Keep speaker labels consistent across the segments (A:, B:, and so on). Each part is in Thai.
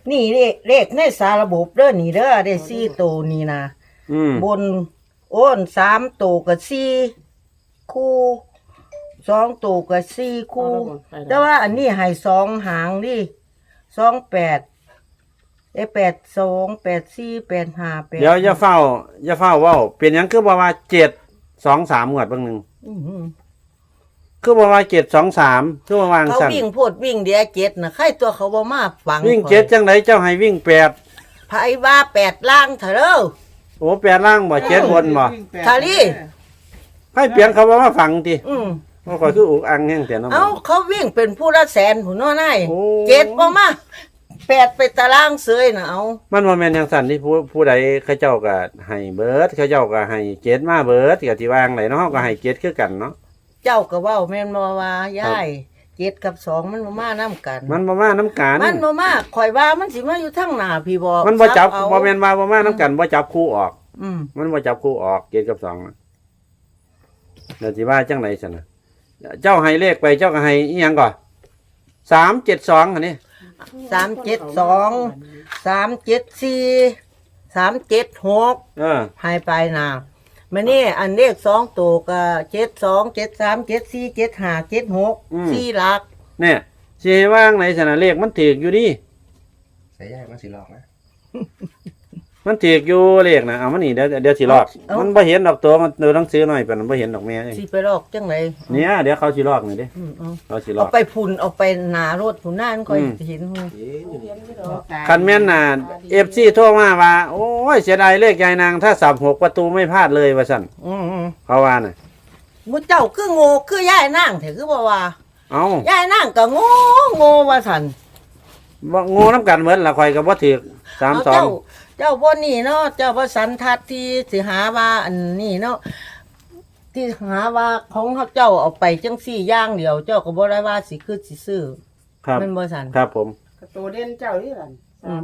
A: นี่เลขในสารระบบเด้อนี่เด้อได้4ตัวนี่นะบนโอ้น3ตัวกับ4คู่2ตัวกับ4คู่แต่ว่าอันนี้ให้2หางดิ2882 84 85 8
B: เดี๋ยวอย่าเฝ้าเว้าเป็นหยังคือบ่ว่า723งวดเบิ่งนึงคือบ่ว่า723คือบ่วาง
A: เขา
B: ซั่น
A: วิ่งโพดวิ่งเดีย7น่ะใครตัวเขาบ่มาฟัง
B: วิ่ง7จังไดเจ้าให้วิ่ง8
A: ไผว่า8ล่างเถอะเด้อ
B: โอ้8ล่างบ่7บนบ่
A: ทาลี
B: ให้เปลี่ยนเขาบ่มาฟังติบ่ค่อยคืออุกอังแฮงแต่เนาะ
A: เขาวิ่งเป็นผู้ละแสนผู้น้อใน7บ่มา8ไปตารางเสยน่ะเอา
B: มันบ่แม่นจังซั่นที่ผู้ใดเขาเจ้าก็ให้เบิดเขาเจ้าก็ให้7มาเบิดก็สิวางไหนเนาะเฮาก็ให้7คือกันเนาะ
A: เจ้าก็เว้าแม่นบ่ว่ายาย7กับ2มันบ่มานํกัน
B: มันบ่มานํกัน
A: มันบ่มาข่อยว่ามันสิมาอยู่ทางหน้าพี่บ่
B: มันบ่จับบ่แม่นว่าบ่มานํกันบ่จับคู่ออกมันบ่จับคู่ออก7กับ2น่ะแล้วสิว่าจังได๋ซั่นน่ะเจ้าให้เลขไปเจ้าก็ให้อีหยังก่อน372อันนี้
A: 372 374 376ให้ไปนะมื้อนี้อันเลข2ตัวก็72 73 74 75 76 4หลัก
B: เนี่ยสิให้วางไหนซั่นน่ะเลขมันถูกอยู่ดิ
C: ใส่ยากมันสิหลอกนะ
B: มันถูกอยู่เลขน่ะเอามานี่เดี๋ยวสิลอกมันบ่เห็นดอกตัวมันดูหนังสือหน่อยปานบ่เห็นดอกแม่
A: สิไปลอกจังได๋
B: เนี่ยเดี๋ยวเขาสิลอกนี่เด้เขาสิลอก
A: เอาไปพุ่นเอาไปหน้ารถพุ่นหน้ามันค่อยเห็น
B: คันแม่นน่ะ FC โทรมาว่าโอ้ยเสียดายเลขยายนางถ้าสับ6ประตูไม่พลาดเลยว่าซั่นเขาว่าน่ะ
A: มุเจ้าคือโง่คือยายนางแท้คือบ่ว่า
B: เอ้าย
A: ายนางก็โง่ว่าซั่น
B: บ่โง่นำกันเหมือนล่ะข่อยก็บ่ถูก32
A: เจ้าบ่นี่เนาะเจ้าบ่สันทัดที่สิหาว่าอันนี้เนาะที่หาว่าของเขาเจ้าเอาไปจังซี่อย่างเดียวเจ้าก็บ่ได้ว่าสิคือสิซื้อ
B: ครับ
A: มันบ่ซั่น
B: ครับผม
D: ตัวเด่นเจ้านี่ล่ะ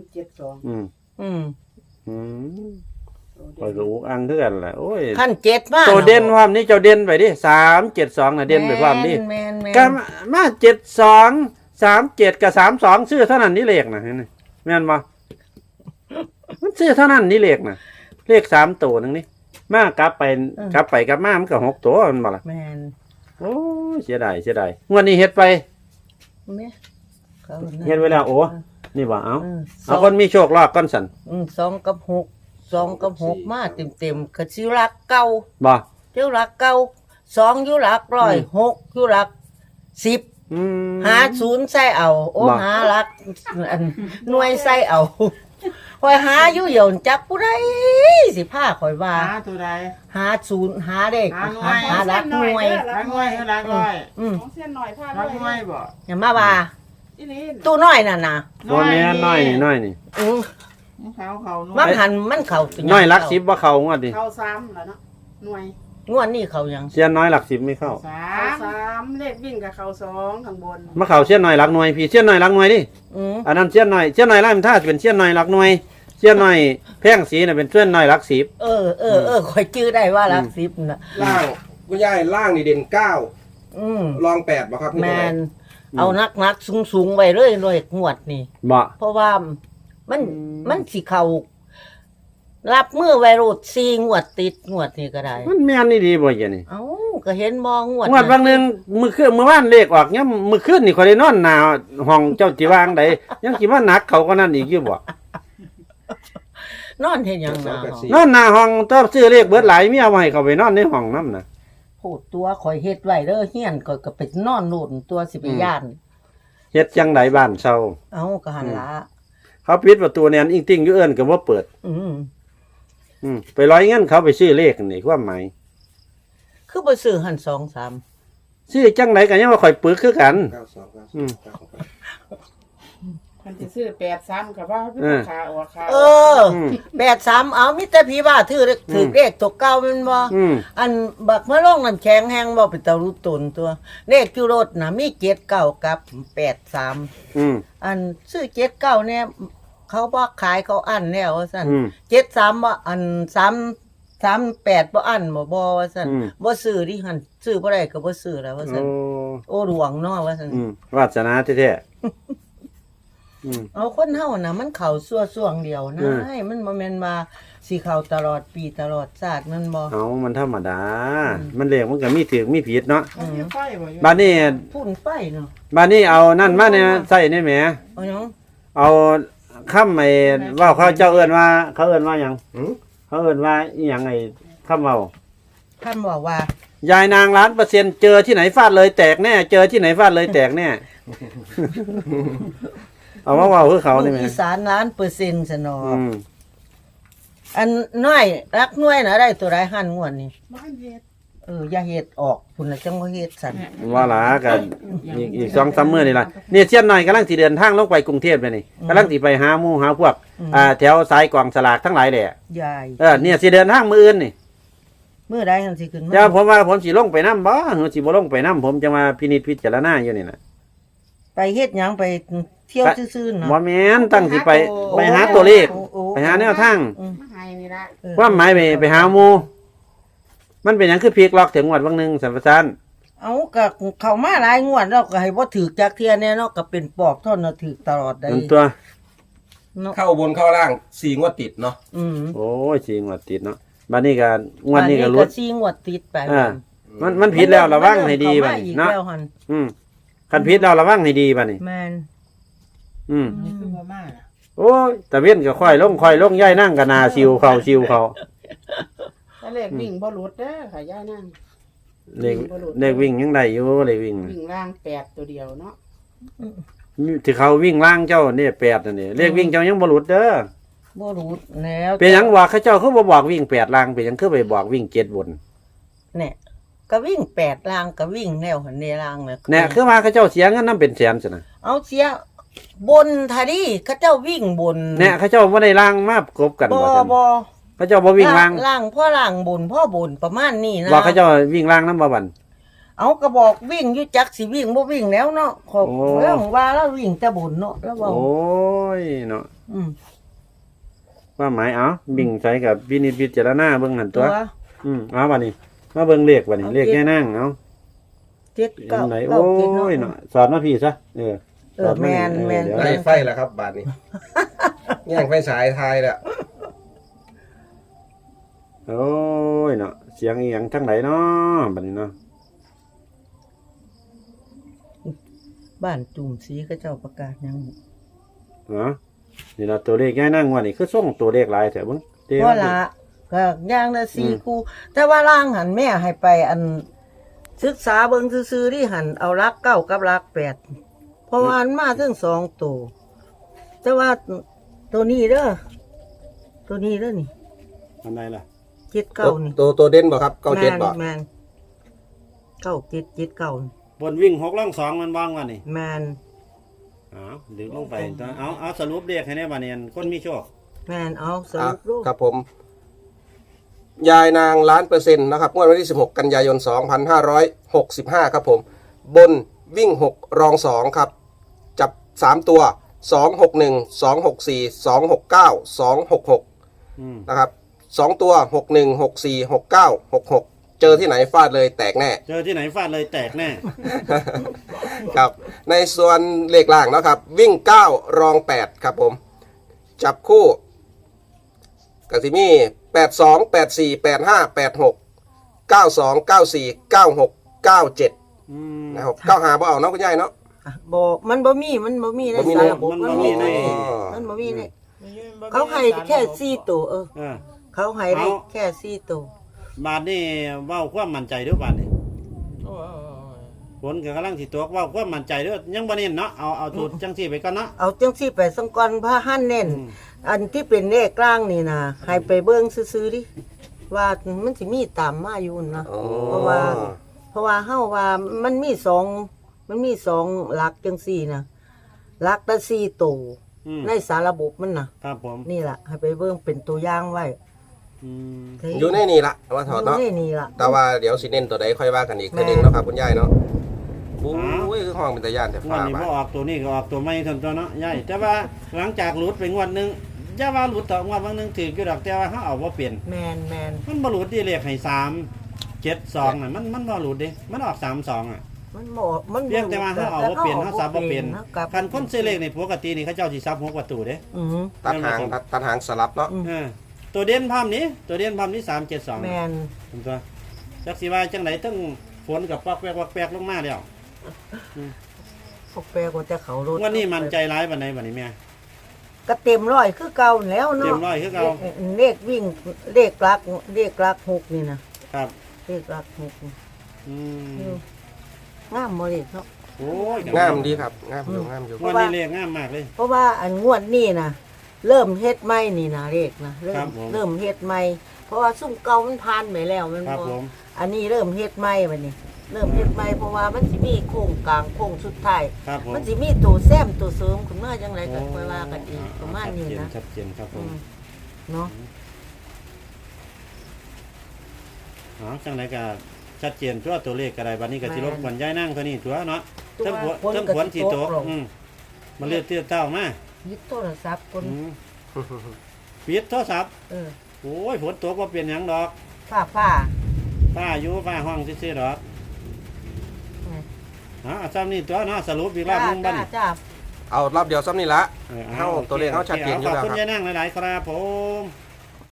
B: ข่อยก็อุกอังคือกันล่ะโอ้ย
A: ขั้น7มา
B: ตัวเด่นความนี้เจ้าเด่นไปดิ372น่ะเด่นไปความนี้ก็มา72 37กับ32ซื้อเท่านั้นนี่เลขน่ะแม่นบ่มันซื้อเท่านั้นนี่เลขน่ะเลข3ตัวนึงนี่มากลับไปกลับมามันก็6ตัวมันบ่ล่ะ
A: แม่น
B: โอ้เสียดายงวดนี้เฮ็ดไป
A: แม่
B: เฮ็ดไว้แล้วโอ้นี่บ่เอาคนมีโชคลาภก่อนสั่น
A: 2กับ6มาเต็มๆก็สิรักเก่า
B: บ่
A: อยู่รักเก่า2อยู่หลักร้อย6อยู่หลัก10หา0ใส่เอาโอ้หาหลักอันหน่วยใส่เอาข่อยหาอยู่เหี่ยวจักผู้ใดสิพาข่อยว่า
D: หาตัวใด
A: หา0หาเด้หาหลักหน่วย
D: หลักหน่วยของเส้นหน่อยพาหลักหน่วยบ่
A: อย่ามาว่าตู้น้อยนั่นน่ะ
B: บ่แม่นน้อยนี่
D: มัน
A: เข้า
B: น้อยหลัก10บ่เข้างวดดิ
D: เข้า3แล้วเนาะหน่วย
A: งวดนี้เข้ายัง
B: เสี้ยนน้อยหลัก10ไม่เข้า
D: 3เลขวิ่งกับเข้า2ข้างบน
B: มาเข้าเสี้ยนน้อยหลักหน่วยพี่เสี้ยนน้อยหลักหน่วยดิอันนั้นเสี้ยนน้อยล่ะมันถ้าเป็นเสี้ยนน้อยหลักหน่วยเสี้ยนน้อยแพงสีน่ะเป็นเสี้ยนน้อยหลัก10
A: ข่อยชื่อได้ว่าหลัก10น่ะ
C: ล่างคุณยายล่างนี่เด่น9รอง8บ่ครับ
A: แม่นเอานักสูงๆไว้เลยงวดนี่
B: บ่
A: เพราะว่ามันสิเข้ารับมือไวรัส4งวดติดงวดนี้ก็ได้
B: มันแม่นนี่ดีบ่อย่างนี้
A: เอ้าก็เห็นบ่งวด
B: บางนึงมื้อวานเลขออกยามมื้อคืนนี่ข่อยได้นอนหน้าห้องเจ้าสิวางใดยังสิมาหนักเขาก็นั่นอีกอยู่บ่
A: นอนเฮ็ดหยัง
B: นอนหน้าห้องต้องซื้อเลขเบิดหลายมีเอาไว้ให้เขาไปนอนในห้องนำน่ะ
A: โหดตัวข่อยเฮ็ดไว้เด้อเฮียนก็ไปนอนโน่นตัวสิไปย่าน
B: เฮ็ดจังไดบ้านเซา
A: เอ้าก็หั่นล่ะ
B: เขาปิดประตูแน่นอิงติ้งอยู่เอิ้นก็บ่เปิดไปร้อยเงินเขาไปซื้อเลขนี่ความหมาย
A: คือบ่ซื้อหั่น2-3
B: ซื้อจังได๋ก็ยังว่าข่อยปึกคือกัน
D: มันสิซื้อ83ก็ว่าขาออกขา
A: 83เอามีแต่พี่ว่าถือเลขตัวเก่าแม่นบ่อันบักมะลงน้ำแข็งแห้งบ่เป็นตารู้ตนตัวเลขอยู่รถน่ะมี79กับ83อันซื้อ79เนี่ยเขาบ่ขายเขาอั้นแล้วว่าซั่น73บ่อัน38บ่อั้นบ่ว่าซั่นบ่ซื้อดิหั่นซื้อบ่ได้ก็บ่ซื้อแล้วว่าซั่นโอ้หลวงเนาะว่าซั่น
B: วาสนาแท้ๆ
A: เอาคนเฮาน่ะมันเข้าซั่วช่วงเดียวนะให้มันบ่แม่นว่าสิเข้าตลอดปีตลอดชาติมันบ่
B: เอามันธรรมดา มันเลขมันก็มีถูกมีผิดเนาะ
D: เขาอยู่ไฟบ่อยู่
B: บัดนี้
A: พุ่นไฟเนาะ
B: บัดนี้เอานั่นมาเนี่ยใส่นี่แหม
A: เอาหยัง
B: เอาคำไอ้เว้าเขาเจ้าเอิ้นว่าเขาเอิ้นว่าหยัง
C: หืม
B: เขาเอิ้นว่าอีหยังไอ้คำเว้า
A: ท่านบอกว่าย
B: ายนาง1,000%เจอที่ไหนฟาดเลยแตกแน่เจอที่ไหนฟาดเลยแตกแน่ เอามาเว้าคือเขานี่แหม
A: อีสาน1,000,000%ซะเนาะ
B: อืม
A: อันน้อยรักน้อยน่ะได้ตัวใดหั่นงวดนี่
D: บ้านเฮ็ด
A: อย่าเฮ็ดออกพุ่นน่ะจังบ่เฮ็ดสั่น
B: ว่าหลากันอีก2-3มื้อนี่ล่ะเนี่ยเสี้ยนน้อยกำลังสิเดินทางลงไปกรุงเทพเลยนี่กำลังสิไปหาหมู่หาพวกแถวสายกองสลากทั้งหลายแหละ
A: ยาย
B: เนี่ยสิเดินทางมื้ออื่นนี่
A: มื้อใดหั่นสิขึ้นมา
B: เจ้าผมว่าผมสิลงไปนํบ่หรือสิบ่ลงไปนํผมจะมาพินิจพิจารณาอยู่นี่น่ะ
A: ไปเฮ็ดหยังไปเที่ยวซื่อๆเนาะ
B: บ่แม่นตั้งสิไปหาตัวเลข ไปหาแนวทาง
D: มาให้นี่ละ
B: ความหมายไปหาหมู่มันเป็นหยังคือพลิกล็อกถึงงวดบางนึงสัมปทาน
A: เอาก็เข้ามาหลายงวดแล้วก็ให้บ่ถูกจักเที่ยแน่เนาะก็เป็นปอบเท่านั้นถูกตลอดได้
B: นั่นตัว
A: เนาะ
C: เข้าบนเข้าล่าง4งวดติดเนาะ
B: โอ้ยสิงวดติดเนาะบัดนี้ก็งวดนี้ก็หลุด
A: 4งวดติดไป
B: มันผิดแล้วระวังให้ดีบัด
A: อี
B: นี้
A: ก
B: เนาะ
A: แล้วหั่น
B: คันผิดแล้วระวังให้ดีบัดนี้
A: แม่น
D: นี่คือบ่มาล่ะ
B: โอ้ยตะเว้นก็ค่อยลงย่ายนั่งก็นาซิวเขา
D: ถ้าเลขวิ่งบ่หลุดเด้อค่ะย่านั่ง
B: เลขวิ่งยังได้อยู่เลขวิ่ง
D: วิ่งล่าง8ตัวเดียวเนาะ
B: ที่เขาวิ่งล่างเจ้านี่8นั่นนี่เลขวิ่งเจ้ายังบ่หลุดเด้อ
A: บ่รู้แล้ว
B: เป็นหยังว่าเขาเจ้าคือบ่บอกวิ่ง8ล่างเป็นหยังคือไปบอกวิ่ง7บน
A: เนี่ยก็วิ่ง8ลางก็วิ่งแนวหันในลางน่ะ
B: แน่คือว่าเขาเจ้าเสียเงินนํเป็นแสนซั่นน่ะ
A: เอาเสียบนทาดีเขาเจ้าวิ่งบน
B: แน่เขาเจ้าบ่ได้ล่างมากบกัน
A: บ่
B: ว่าซั่น
A: บ่
B: เขาเจ้าบ่วิ่งล่าง
A: ล่างพ่อล่างบนพ่อบนประมาณนี้นะ
B: ว่าเขาเจ้าวิ่งล่างนำบ่บัน
A: เอาก็บอกวิ่งอยู่จักสิวิ่งบ่วิ่งแล้วเนาะขอ
B: โอ้
A: แล้วว่าแล้ววิ่งแต่บนเนาะแล้วว่า
B: โอ้ยเนาะ
A: อืม
B: ว่าหมายเอาบิ่งใส่กับวินิจพิจารณาเบิ่งหั่น
A: ตั
B: ตัว วเอาบัดนี้มาเบิ่งเลขบัดนี้เลขแย่นางเอา
A: เจ็ด
B: อั
A: เก้าน
B: ไหน
A: เก้า
B: โอ้
A: เจ็ด
B: ยเนาะสอนมาพี่ซะสอนมา
A: แม่น
B: เดี๋ยว
C: ได้ไฟแล้วครับบาทนี้ แย่งไฟฉายทายแล้ว
B: โอ้ยเนาะเสียงอีหยังทั้งไหนเนาะบัดนี้เนาะ
A: บ้านจุ่มสีเขาเจ้าประกาศหยัง
B: เนาะนี่ล่ะตัวเลขแย่นางว่านี่คือส่งตัวเลขหลายแท้เบิ่งเด้
A: เพราะละก็อย่างละ4คู่แต่ว่าล่างหันแม่ให้ไปอันศึกษาเบิ่งซื่อๆที่หันเอารักเก้ากับรัก8เพราะว่ามันมาถึง2ตัวแต่ว่าตัวนี้เด้อตัวนี้เด้อนี่
B: อันใดล่ะ
A: 79นี่
C: ตัวเด่นบ่ครับ97บ่
A: แมน9779นี่
B: บนวิ่ง6ล่อง2มันว่างว่านี่
A: แมน
B: เอาดึงลงไปตัวเอาสรุปเลขให้แน่บัดนี้คนมีโชค
A: แมนเอาสรุปรูป
C: ครับผม ยายนาง1,000,000%นะครับงวดวันที่16กันยายน2565ครับผม บนวิ่ง6รอง2ครับจับ3ตัว261 264 269 266นะครับ2ตัว61 64 69 66เจอที่ไหนฟาดเลยแตกแน่
B: เจอที่ไหนฟาดเลยแตกแน่
C: ครับในส่วนเลขล่างนะครับ วิ่ง9รอง8ครับผมจับคู่กสิมี82 84 85 86 92 94 96 97นะครับ95บ่เอาเนาะคุณยายเนาะ
A: บอกมันบ่มีใน
C: บ่มี
A: สา
C: ใน
A: รระบบ
B: มันบ่มีใน
A: มันบ่มีในเขาให้แค่4ตัวเขาให้ได้แค่4ตัว
B: บาทนี่เว้าความมั่นใจเด้อบาทนี่ผลก็กำลังสิตกเว้าความมั่นใจเด้อยังบ่เน้นเนาะเอาสูตรจังซี่ไปก่อนเนาะ
A: เอาจังซี่ไปสังก่อนพระหั่นเน้นอันที่เป็นเลขกลางนี่นะให้ไปเบิ่งซื่อๆดิว่ามันสิมีตามมาอยู่นะ เพราะว่าเฮาว่ามันมี2หลักจังซี่นะหลักละ4ตัวในสารระบบมันน่ะ
B: ครับผม
A: นี่ล่ะให้ไปเบิ่งเป็นตัวอย่างไว้
C: อยู่ในนี่ละว่าถอดเนาะ
A: อยู่ในนี่ล่ะ
C: แต่ว่าเดี๋ยวสิเน้นตัวใดค่อยว่ากันอีกทีหนึงเนาะครับคุณยายเนาะโอ้ยคือห้องเป็นตาย่านแต่
B: งว
C: ฟ้า
B: ดนี้
C: บา
B: บ่
C: ด
B: ออกตัวนี้ก็ออกตัวใหม่ทันตัวเนาะยายแต่ว่าหลังจากหลุดไปงวดหนึงอย่าว่าหลุดต่องวดบางนึงถืออยู่ดอกแต่ว่าเฮาเอาบ่เปลี่ยน
A: แมน
B: มันบ่หลุดที่เลขให้3 7 2น่ะมันบ่หลุดเด้มันออก3 2อ่ะ
A: มันบ่มัน
B: เพียงแต่ว่าเฮาเอาบ่เปลี่ยนเฮาซับบ่เปลี่ยน
A: ฮากับ
B: คันคนซื้อเลขนี่ปกตินี่เขาเจ้าสิซับ6ประตูเด้
A: อือหือ
C: ตัดหางสลับเนาะ
B: ตัวเด่นพร้อมนี้ตัวเด่นพร้อมนี้372
A: แม่น
B: ผมตัวจักสิว่าจังไดตึ้งฝนกับปักแวกลงมาแล้ว
A: พวกแปลก็จะเขารถ
B: วันนี้มันใจร้ายปานใดบัดนี้แม่
A: ก็เต็มร้อยคือเก่าแล้วเนาะ
B: เต็มร้อยคือเก่า
A: เลขวิ่งเลขลักหกนี่นะครับ เลขลักหกนี่
B: อืม
A: งามบ่เลขเนาะ
B: โอ้ย
C: งามดีครับงามอยู่งามอยู่
B: วันนี้เลขงามมากเลย
A: เพราะว่าอันงวดนี่นะเริ่มเฮ็ดใหม่นี่นะเลขนะเริ่
B: ครั
A: ม
B: บผม
A: เริ่มเฮ็ดใหม่เพราะว่าซุ่มเก่ามันผ่านไปแล้วมัน
B: ครับ
A: บ่
B: ผม
A: อันนี้เริ่มเฮ็ดใหม่บัดนี้ เริ่มเฮ็ดใหม่เพราะว่ามันสิมีโค้งกลางโค้งสุดท้าย
B: ครับผม
A: มันสิมีตัวแซมตัวเสริมขึ้นมาจังไรก็ค่อยว่ากันอีกประมาณนี้นะ
B: ชัดเจนครับผ
A: อื
B: ม
A: มเนาะ
B: อ๋อจังไดก็ชัดเจนตัวตัวเลขก็ได้บัดนี้ก็สิรบกวนยายนั่งเท่านี้ตัวเนาะ
A: ตัว
B: เทั้ง
A: คน
B: เทั้ง
A: ก็
B: ฝน
A: สิ
B: สิ
A: ต
B: ต
A: ก
B: ก
A: ลง
B: มันเลือดเตี้ยเต้ามา
A: ยึดโทรศัพท์คน
B: อืมปิดโทรศัพท์
A: เออ
B: โอ้ยฝนตกบ่เป็นหยังดอก
A: ฟ้า
B: ป้าอยู่ป้าห้องซื่อๆดอก
A: ไง
B: อ๋อซ้ำนี่ตัวเนาะสรุปอีกรอบหนึงบัดนี้
A: จ้า
C: เอารอบเดียวซ้ำนี่ละ
B: ออ
C: เฮาตัวเลขเฮาชัดเจนอยู่แล้ว
B: ขอบคุณ
C: ครับ
B: ยายนั่งหลายๆครับผม